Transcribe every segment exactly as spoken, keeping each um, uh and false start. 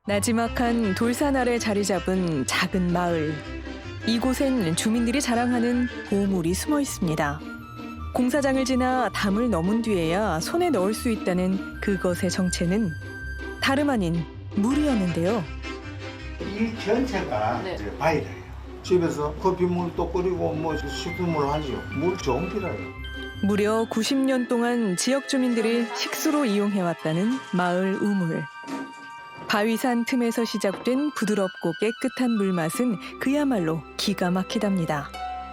나지막한 돌산 아래 자리 잡은 작은 마을. 이곳엔 주민들이 자랑하는 보물이 숨어 있습니다. 공사장을 지나 담을 넘은 뒤에야 손에 넣을 수 있다는 그것의 정체는 다름 아닌 물이었는데요. 이 전체가 네. 이제 바이러예요. 집에서 커피물도 끓이고 뭐 식수물 하지요. 물 좋은 비라요. 무려 구십 년 동안 지역 주민들이 식수로 이용해왔다는 마을 우물. 바위산 틈에서 시작된 부드럽고 깨끗한 물맛은 그야말로 기가 막히답니다.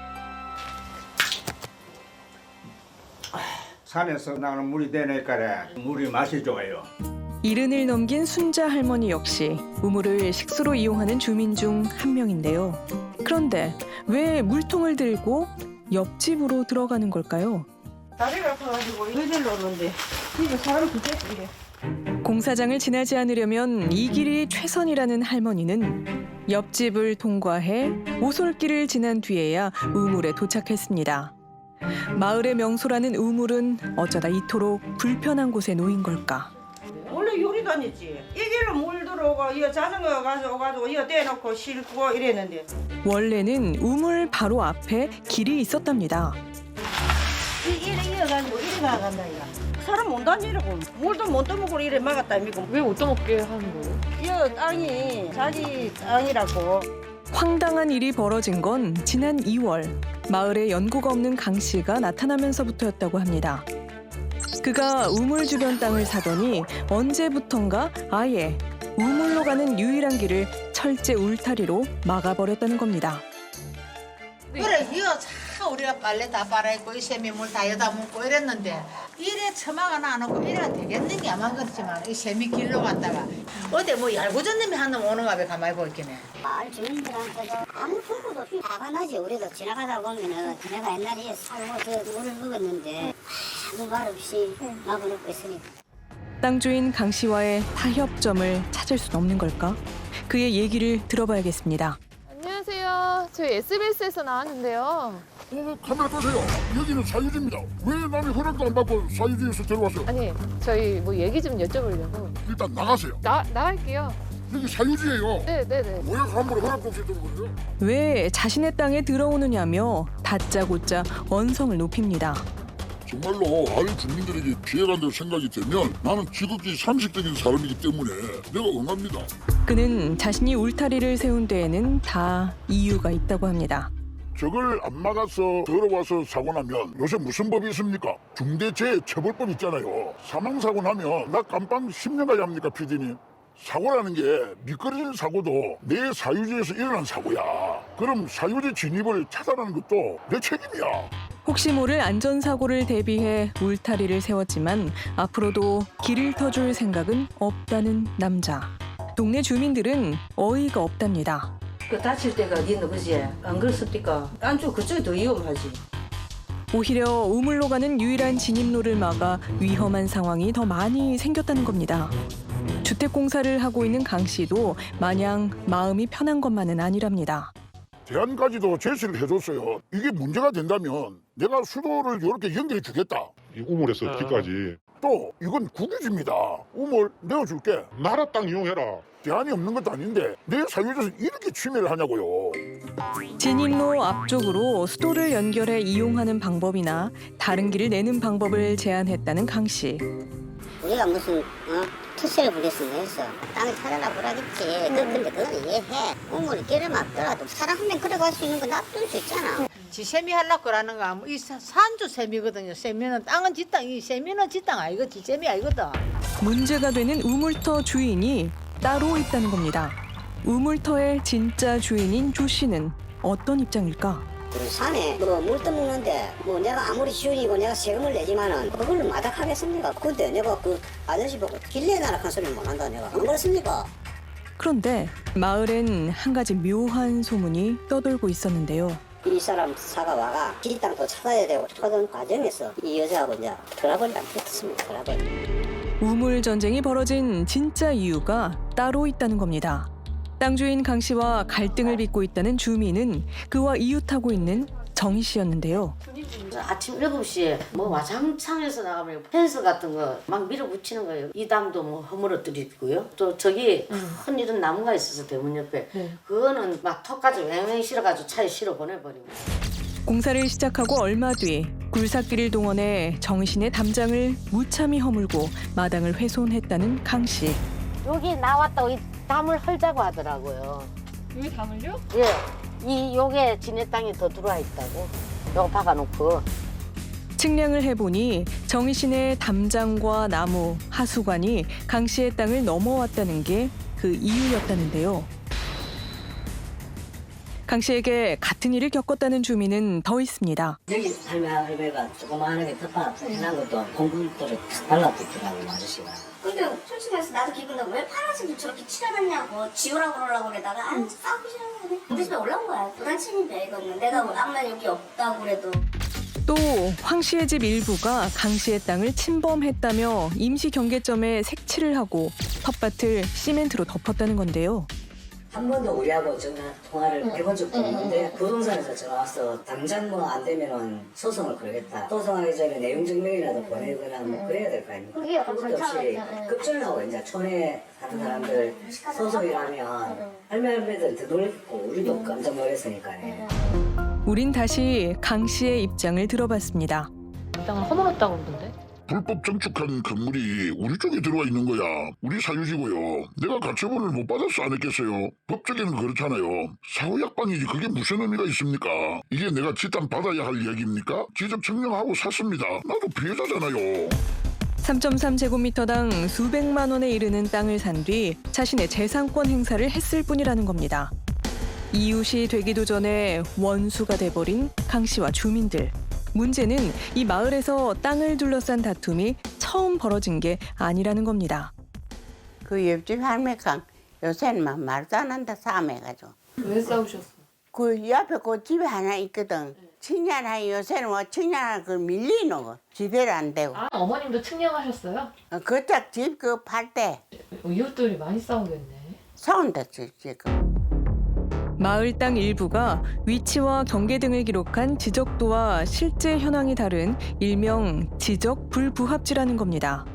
산에서 나는 물이 되니까 물이 맛이 좋아요. 이른을 넘긴 순자 할머니 역시 우물을 식수로 이용하는 주민 중 한 명인데요. 그런데 왜 물통을 들고 옆집으로 들어가는 걸까요? 다리가 아파가지고 의자를 놓는데 이거 사람 죽겠어 이래. 공사장을 지나지 않으려면 이 길이 최선이라는 할머니는 옆집을 통과해 오솔길을 지난 뒤에야 우물에 도착했습니다. 마을의 명소라는 우물은 어쩌다 이토록 불편한 곳에 놓인 걸까? 원래 요리 다녔지. 이 길로 물 들어오고 이거 자전거 가져와가지고 이거 떼놓고 싣고 이랬는데 원래는 우물 바로 앞에 길이 있었답니다. 이 이래 이어가지고 이래 나간다 이거. 사람 못 다니라고 물도 못 떠먹고 이래 막았다 이거. 왜 못 떠먹게 하는 거예요? 이 땅이 자기 땅이라고. 황당한 일이 벌어진 건 지난 이월 마을에 연고가 없는 강 씨가 나타나면서부터였다고 합니다. 그가 우물 주변 땅을 사더니 언제부턴가 아예 우물로 가는 유일한 길을 철제 울타리로 막아버렸다는 겁니다. 그래 이거 참 우리가 빨래 다 빨아입고 이 세미물 다 여다 묻고 이랬는데 이래 처마가 안 오고 이래가 되겠는 게 아마 그렇지만 이 세미 길로 갔다가 어디 뭐 얄궂은님이 한 놈 오는가 봐 가만히 보이겠네. 마을 주민들한테도 아무 소리도 없이 화가 나지. 우리도 지나가다 보면은 내가 옛날에 살고 저 물을 먹었는데 아무 말 없이 막아놓고 있으니까. 땅 주인 강 씨와의 타협점을 찾을 순 없는 걸까? 그의 얘기를 들어봐야겠습니다. 안녕하세요. 저희 에스비에스에서 나왔는데요. 어, 카메라 끄세요. 여기는 사유지입니다. 왜 남이 허락도 안 받고 사유지에서 들어왔어요? 아니, 저희 뭐 얘기 좀 여쭤보려고. 일단 나가세요. 나, 나갈게요. 여기 사유지예요. 네네네. 왜 함부로 허락도 없이 들어오세요? 왜 자신의 땅에 들어오느냐며 다짜고짜 언성을 높입니다. 정말로 마을 주민들에게 피해간다고 생각이 되면 나는 지극히 상식적인 사람이기 때문에 내가 응합니다. 그는 자신이 울타리를 세운 데에는 다 이유가 있다고 합니다. 저걸 안 막아서 들어와서 사고 나면 요새 무슨 법이 있습니까? 중대재해처벌법 있잖아요. 사망사고 나면 나 깜빵 십 년까지 합니까, 피디님? 사고라는 게 미끄러진 사고도 내 사유지에서 일어난 사고야. 그럼 사유지 진입을 차단하는 것도 내 책임이야. 혹시 모를 안전사고를 대비해 울타리를 세웠지만 앞으로도 길을 터줄 생각은 없다는 남자. 동네 주민들은 어이가 없답니다. 그 다칠 때가 어디 있는 거지? 안 그렇습니까? 안쪽 그쪽이 더 위험하지. 오히려 우물로 가는 유일한 진입로를 막아 위험한 상황이 더 많이 생겼다는 겁니다. 주택공사를 하고 있는 강 씨도 마냥 마음이 편한 것만은 아니랍니다. 대안까지도 제시를 해줬어요. 이게 문제가 된다면 내가 수도를 이렇게 연결해 주겠다. 이 우물에서 길까지 또 이건 국유지입니다. 우물 내어줄게. 나라 땅 이용해라. 대안이 없는 것도 아닌데 내 사유지에서 이렇게 침해를 하냐고요. 진입로 앞쪽으로 수도를 연결해 이용하는 방법이나 다른 길을 내는 방법을 제안했다는 강 씨. 우리가 무슨 어? 투세를 부렸으면 해서 땅을 찾아라 보라겠지. 그 근데 그건 이해해. 우물이 길을 막더라도 사람 한 명 걸어갈 수 있는 거 놔둘 수 있잖아. 지 세미 하려고 그러는 거 이 산주 세미거든요. 세미는 땅은 지 땅, 이 세미는 지 땅 아니거 지 세미 아니거든. 문제가 되는 우물터 주인이 따로 있다는 겁니다. 우물터의 진짜 주인인 조 씨는 어떤 입장일까? 우리 산에 뭐 물 떠먹는데 뭐 내가 아무리 주인이고 내가 세금을 내지만은 그걸로 마닥하겠습니까? 근데 내가 그 아저씨 보고 길 내놔라 한 소리를 못 한다 내가. 안 그렇습니까? 그런데 마을엔 한 가지 묘한 소문이 떠돌고 있었는데요. 이 사람 사가 와가 지 땅도 찾아야 되고 그런 과정에서 이 여자하고 이제 트러블이 안 붙었습니다. 트러블. 우물 전쟁이 벌어진 진짜 이유가 따로 있다는 겁니다. 땅 주인 강 씨와 갈등을 빚고 있다는 주민은 그와 이웃하고 있는 정희 씨였는데요. 아침 일곱 시에 뭐 와장창에서 나가면 펜스 같은 거 막 밀어붙이는 거예요. 이 담도 뭐 허물어뜨리고요. 또 저기 큰 이런 나무가 있어서 대문 옆에 그거는 막 턱까지 왱왱 실어가지고 차에 실어 보내버리고. 공사를 시작하고 얼마 뒤 굴삭기를 동원해 정희 씨네 담장을 무참히 허물고 마당을 훼손했다는 강 씨. 여기 나왔다고 이 담을 헐자고 하더라고요. 여기 담을요? 예, 이 요게 지네 땅이 더 들어와 있다고. 요거 박아놓고. 측량을 해보니 정희 씨네 담장과 나무, 하수관이 강 씨의 땅을 넘어왔다는 게 그 이유였다는데요. 강 씨에게 같은 일을 겪었다는 주민은 더 있습니다. 여기 할매 할매가 조그마하게 텃밭 해놓은 것도 콘크리트를 탁 발라붙더라고 아저씨가. 근데 솔직히 해서 나도 기분 나고 왜 파란색을 저렇게 칠해놨냐고 지우라고 그러려고 그러다가 안 싸우기 싫은데 우리 집에 올라온 거야. 도단침입이야 이거는. 내가 뭐 아무나 여기 없다고 그래도. 또 황 씨의 집 일부가 강 씨의 땅을 침범했다며 임시 경계점에 색칠을 하고 텃밭을 시멘트로 덮었다는 건데요. 한 번도 우리하고 전화 통화를 해본 적도 없는데 부동산에서 전화 와서 당장 뭐 안 되면은 소송을 걸겠다. 소송하기 전에 내용 증명이라도 보내거나 뭐 그래야 될 거 아닙니까? 그게 그것도 없이 급전을 하고 이제 촌에 사는 사람들 소송이라면 할매 할매들 더 놀랬고 우리도 깜짝 놀랐으니까요. 우린 다시 강 씨의 입장을 들어봤습니다. 땅을 허물었다고 그러던데. 불법 증축한 건물이 우리 쪽에 들어와 있는 거야. 우리 사유지고요. 내가 가처분을 못 받아서 안 했겠어요. 법적에는 그렇잖아요. 사후약방이지 그게 무슨 의미가 있습니까? 이게 내가 지 땅 받아야 할 얘기입니까? 지적 증명하고 샀습니다. 나도 피해자잖아요. 삼 점 삼 제곱미터당 수백만 원에 이르는 땅을 산 뒤 자신의 재산권 행사를 했을 뿐이라는 겁니다. 이웃이 되기도 전에 원수가 돼버린 강 씨와 주민들. 문제는 이 마을에서 땅을 둘러싼 다툼이 처음 벌어진 게 아니라는 겁니다. 그 옆집 할매가 요새는 막 말도 안 한다 싸움해가지고. 왜 싸우셨어? 그 옆에 그 집에 하나 있거든. 측량하니 요새는 뭐 측량할 걸 밀리노 거. 지대로 안 되고. 아, 어머님도 측량하셨어요? 그짝 집 그 팔 때 이웃들이 많이 싸우겠네. 싸운다 지금. 마을 땅 일부가 위치와 경계 등을 기록한 지적도와 실제 현황이 다른 일명 지적 불부합지라는 겁니다.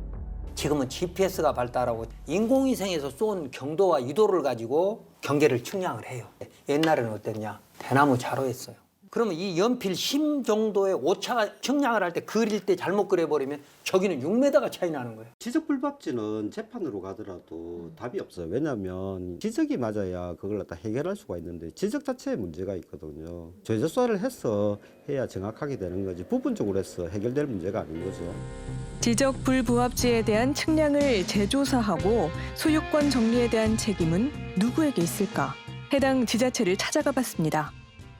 지금은 지피에스가 발달하고 인공위성에서 쏜 경도와 유도를 가지고 경계를 측량을 해요. 옛날에는 어땠냐? 대나무 자로 했어요. 그러면 이 연필 심 정도의 오차가 측량을 할 때 그릴 때 잘못 그려버리면 저기는 육 미터가 차이 나는 거예요. 지적불법지는 재판으로 가더라도 답이 없어요. 왜냐하면 지적이 맞아야 그걸 갖다 해결할 수가 있는데 지적 자체에 문제가 있거든요. 죄조사를 해서 해야 정확하게 되는 거지 부분적으로 해서 해결될 문제가 아닌 거죠. 지적 불부합지에 대한 측량을 재조사하고 소유권 정리에 대한 책임은 누구에게 있을까? 해당 지자체를 찾아가 봤습니다.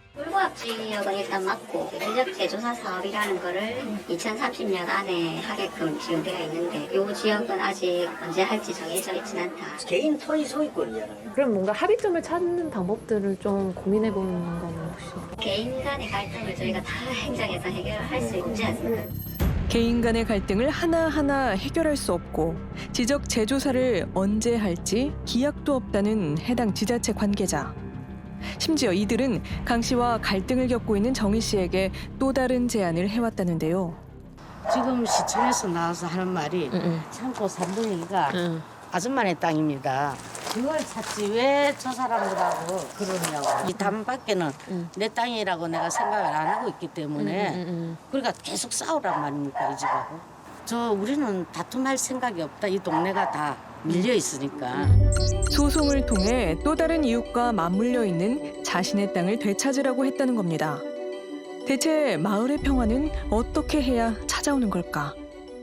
불부합지역은 일단 맞고 지적 재조사 사업이라는 거를 이천삼십 년 안에 하게끔 지금 되어 있는데 이 지역은 아직 언제 할지 정해져 있진 않다. 개인 토지 소유권이잖아요. 그럼 뭔가 합의점을 찾는 방법들을 좀 고민해 보는 건 혹시? 개인 간의 갈등을 저희가 다 행정에서 해결할 수 있지 않습니까? 개인 간의 갈등을 하나하나 해결할 수 없고 지적 재조사를 언제 할지 기약도 없다는 해당 지자체 관계자. 심지어 이들은 강 씨와 갈등을 겪고 있는 정희 씨에게 또 다른 제안을 해왔다는데요. 지금 시청에서 나와서 하는 말이 응. 창고 삼분의가 응. 아줌마네 땅입니다. 그걸 찾지 왜 저 사람들하고 그러냐고. 이 담밖에는 응. 내 땅이라고 내가 생각을 안 하고 있기 때문에 응, 응, 응. 그러니까 계속 싸우란 말입니까 이 집하고. 저 우리는 다툼할 생각이 없다. 이 동네가 다 밀려 있으니까. 소송을 통해 또 다른 이웃과 맞물려 있는 자신의 땅을 되찾으라고 했다는 겁니다. 대체 마을의 평화는 어떻게 해야 찾아오는 걸까?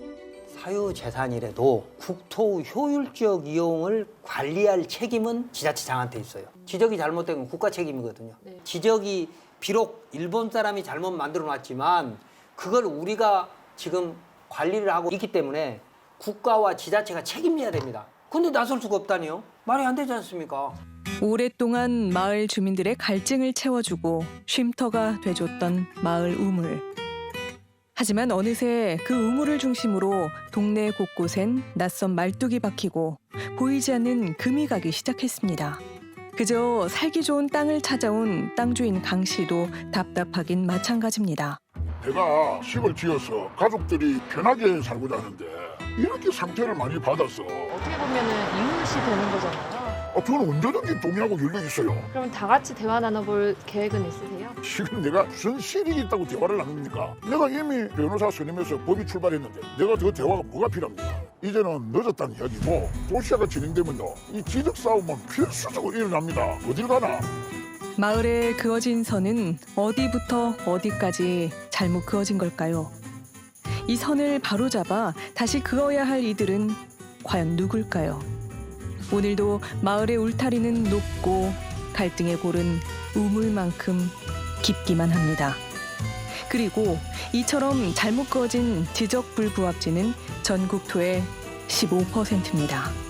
사유재산이라도 국토 효율적 이용을 관리할 책임은 지자체장한테 있어요. 지적이 잘못된 건 국가 책임이거든요. 네. 지적이 비록 일본 사람이 잘못 만들어놨지만 그걸 우리가 지금 관리를 하고 있기 때문에 국가와 지자체가 책임져야 됩니다. 근데 나설 수가 없다니요? 말이 안 되지 않습니까? 오랫동안 마을 주민들의 갈증을 채워주고 쉼터가 돼줬던 마을 우물. 하지만 어느새 그 우물을 중심으로 동네 곳곳엔 낯선 말뚝이 박히고 보이지 않는 금이 가기 시작했습니다. 그저 살기 좋은 땅을 찾아온 땅 주인 강 씨도 답답하긴 마찬가지입니다. 내가 집을 지어서 가족들이 편하게 살고자 하는데 이렇게 상처를 많이 받았어. 어떻게 보면은 이웃이 되는 거잖아요. 아, 저는 언제든지 동의하고 열려 있어요. 그럼 다 같이 대화 나눠볼 계획은 있으세요? 지금 내가 무슨 실익이 있다고 대화를 나눕니까? 내가 이미 변호사 선임해서 법이 출발했는데 내가 더 대화가 뭐가 필요합니까? 이제는 늦었다는 이야기고 도시화가 진행되면요. 이 지적 싸움은 필수적으로 일어납니다. 어딜 가나? 마을에 그어진 선은 어디부터 어디까지 잘못 그어진 걸까요? 이 선을 바로잡아 다시 그어야 할 이들은 과연 누굴까요? 오늘도 마을의 울타리는 높고 갈등의 골은 우물만큼 깊기만 합니다. 그리고 이처럼 잘못 그어진 지적불부합지는 전국토의 십오 퍼센트입니다.